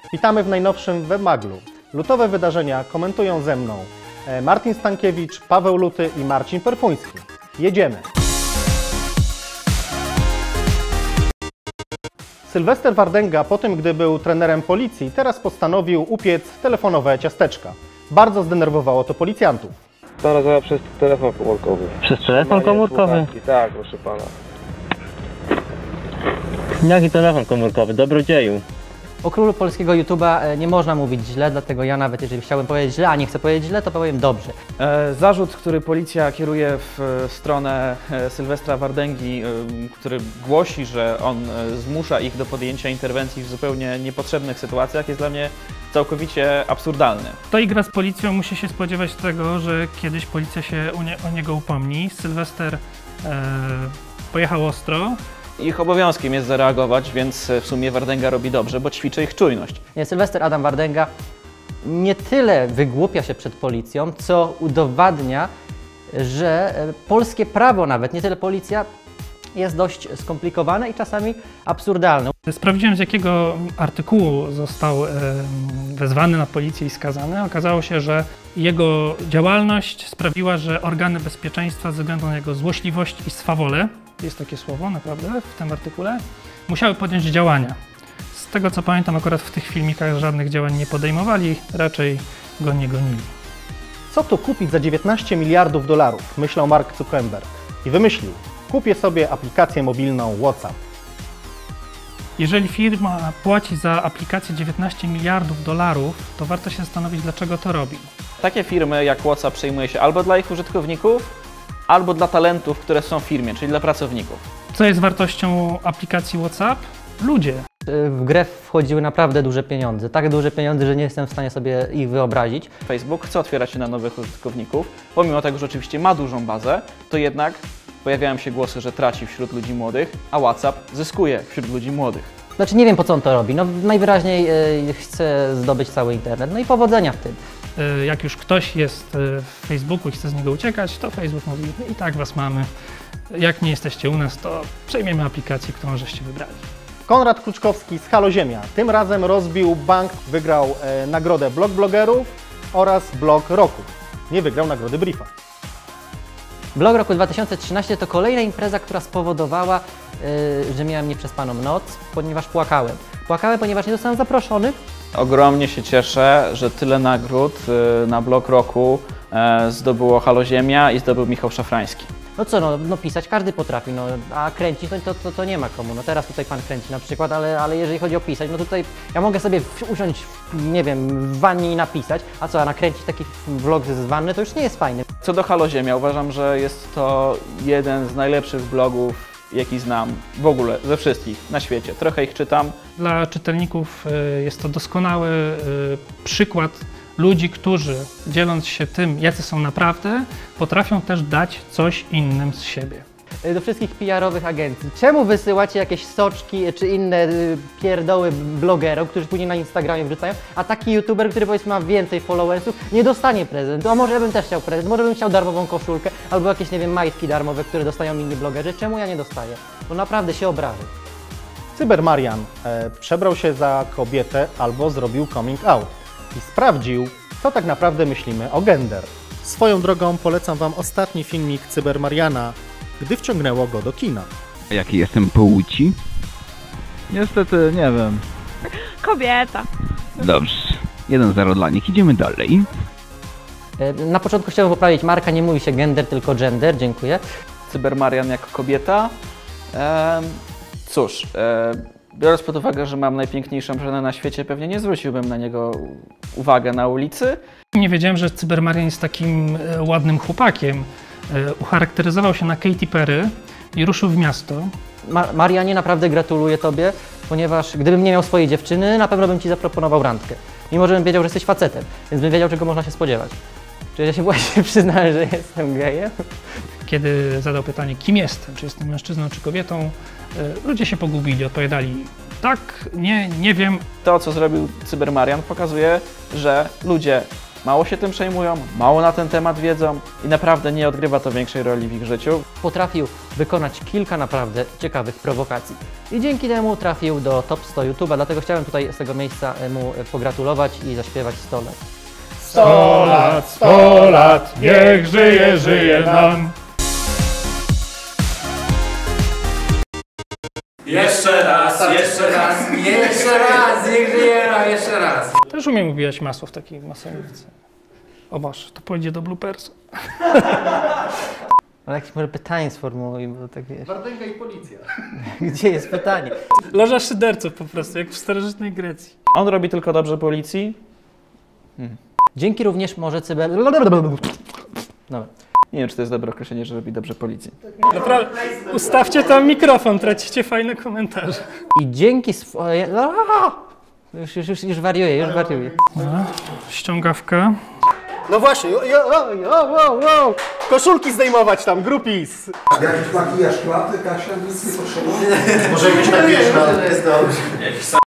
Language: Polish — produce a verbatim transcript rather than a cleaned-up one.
Witamy w najnowszym Webmaglu. Lutowe wydarzenia komentują ze mną Martin Stankiewicz, Paweł Luty i Marcin Perfuński. Jedziemy! Sylwester Wardęga po tym, gdy był trenerem policji, teraz postanowił upiec telefonowe ciasteczka. Bardzo zdenerwowało to policjantów. To nazywa przez telefon komórkowy. Przez telefon komórkowy? Tak, proszę pana. Jaki telefon komórkowy? Dobrodzieju. O królu polskiego YouTube'a nie można mówić źle, dlatego ja nawet jeżeli chciałbym powiedzieć źle, a nie chcę powiedzieć źle, to powiem dobrze. E, zarzut, który policja kieruje w stronę Sylwestra Wardęgi, e, który głosi, że on zmusza ich do podjęcia interwencji w zupełnie niepotrzebnych sytuacjach, jest dla mnie całkowicie absurdalny. Kto gra z policją, musi się spodziewać tego, że kiedyś policja się o, nie, o niego upomni. Sylwester e, pojechał ostro. Ich obowiązkiem jest zareagować, więc w sumie Wardęga robi dobrze, bo ćwiczy ich czujność. Nie, Sylwester Adam Wardęga nie tyle wygłupia się przed policją, co udowadnia, że polskie prawo nawet, nie tyle policja, jest dość skomplikowane i czasami absurdalne. Sprawdziłem, z jakiego artykułu został e, wezwany na policję i skazany. Okazało się, że jego działalność sprawiła, że organy bezpieczeństwa ze względu na jego złośliwość i swawolę, jest takie słowo naprawdę w tym artykule, musiały podjąć działania. Z tego co pamiętam, akurat w tych filmikach żadnych działań nie podejmowali, raczej go nie gonili. Co tu kupić za dziewiętnaście miliardów dolarów, myślał Mark Zuckerberg i wymyślił: kupię sobie aplikację mobilną WhatsApp. Jeżeli firma płaci za aplikację dziewiętnaście miliardów dolarów, to warto się zastanowić, dlaczego to robi. Takie firmy jak WhatsApp przejmuje się albo dla ich użytkowników, albo dla talentów, które są w firmie, czyli dla pracowników. Co jest wartością aplikacji WhatsApp? Ludzie. W grę wchodziły naprawdę duże pieniądze, tak duże pieniądze, że nie jestem w stanie sobie ich wyobrazić. Facebook chce otwierać się na nowych użytkowników, pomimo tego, że oczywiście ma dużą bazę, to jednak pojawiają się głosy, że traci wśród ludzi młodych, a WhatsApp zyskuje wśród ludzi młodych. Znaczy nie wiem, po co on to robi, no najwyraźniej y, chce zdobyć cały internet, no i powodzenia w tym. Jak już ktoś jest w Facebooku i chce z niego uciekać, to Facebook mówi: i tak was mamy, jak nie jesteście u nas, to przejmiemy aplikację, którą żeście wybrali. Konrad Kluczkowski z Halo Ziemia tym razem rozbił bank, wygrał e, nagrodę Blog Blogerów oraz Blog Roku. Nie wygrał nagrody Briefa. Blog Roku dwa tysiące trzynasty to kolejna impreza, która spowodowała, yy, że miałem nieprzespaną noc, ponieważ płakałem. Płakałem, ponieważ nie zostałem zaproszony. Ogromnie się cieszę, że tyle nagród na Blog Roku zdobyło Halo Ziemia i zdobył Michał Szafrański. No co, no, no pisać każdy potrafi, no, a kręcić to, to, to nie ma komu. No teraz tutaj pan kręci na przykład, ale, ale jeżeli chodzi o pisać, no tutaj ja mogę sobie usiąść, nie wiem, w wannie i napisać, a co, a nakręcić taki vlog z wanny, to już nie jest fajny. Co do Halo Ziemia, uważam, że jest to jeden z najlepszych blogów, jaki znam w ogóle ze wszystkich na świecie. Trochę ich czytam. Dla czytelników jest to doskonały przykład ludzi, którzy dzieląc się tym, jacy są naprawdę, potrafią też dać coś innym z siebie. Do wszystkich P R-owych agencji. Czemu wysyłacie jakieś soczki czy inne pierdoły blogerom, którzy później na Instagramie wrzucają, a taki youtuber, który powiedzmy ma więcej followersów, nie dostanie prezentu? A może ja bym też chciał prezent, może bym chciał darmową koszulkę, albo jakieś, nie wiem, majtki darmowe, które dostają inni blogerzy. Czemu ja nie dostaję? Bo naprawdę się obrażę. Cybermarian e, przebrał się za kobietę albo zrobił coming out i sprawdził, co tak naprawdę myślimy o gender. Swoją drogą polecam Wam ostatni filmik Cybermariana, gdy wciągnęło go do kina. Jakiej jestem płci? Niestety nie wiem. Kobieta. Dobrze. jeden zero dla nich. Idziemy dalej. Na początku chciałbym poprawić Marka, nie mówi się gender, tylko gender. Dziękuję. Cybermarian jako kobieta? Ehm, cóż, e, biorąc pod uwagę, że mam najpiękniejszą żonę na świecie, pewnie nie zwróciłbym na niego uwagę na ulicy. Nie wiedziałem, że Cybermarian jest takim ładnym chłopakiem. Ucharakteryzował się na Katy Perry i ruszył w miasto. Ma Marianie, naprawdę gratuluję Tobie, ponieważ gdybym nie miał swojej dziewczyny, na pewno bym Ci zaproponował randkę. Mimo, że bym wiedział, że jesteś facetem, więc bym wiedział, czego można się spodziewać. Czy ja się właśnie przyznałem, że jestem gejem? Kiedy zadał pytanie, kim jestem, czy jestem mężczyzną, czy kobietą, ludzie się pogubili, odpowiadali tak, nie, nie wiem. To, co zrobił Cybermarian, pokazuje, że ludzie mało się tym przejmują, mało na ten temat wiedzą i naprawdę nie odgrywa to większej roli w ich życiu. Potrafił wykonać kilka naprawdę ciekawych prowokacji. I dzięki temu trafił do top sto YouTube'a, dlatego chciałem tutaj z tego miejsca mu pogratulować i zaśpiewać sto lat. sto lat, sto lat, niech żyje, żyje nam. Jeszcze raz, jeszcze raz, jeszcze raz, niech żyje nam, jeszcze raz. Też umiem ubijać masło w takiej masownicy. O Boże, to pójdzie do bloopersu. Ale jakieś może pytanie sformułuj, bo tak wiesz. Wardęga i policja. Gdzie jest pytanie? Loża szyderców po prostu, jak w starożytnej Grecji. On robi tylko dobrze policji. Dzięki również może cyber... Dobra. Nie wiem, czy to jest dobre określenie, że robi dobrze policji. Naprawdę, ustawcie tam mikrofon, tracicie fajne komentarze. I dzięki swoje... Już, już, już, już wariuję, już wariuję. Ściągawka. No właśnie, jo, jo, jo, jo, jo. Koszulki zdejmować tam, grupis. Jakiś makijaż klaty, Kasia, nic nie potrzeba. Może jakieś tak wiesz, no, to jest dobrze.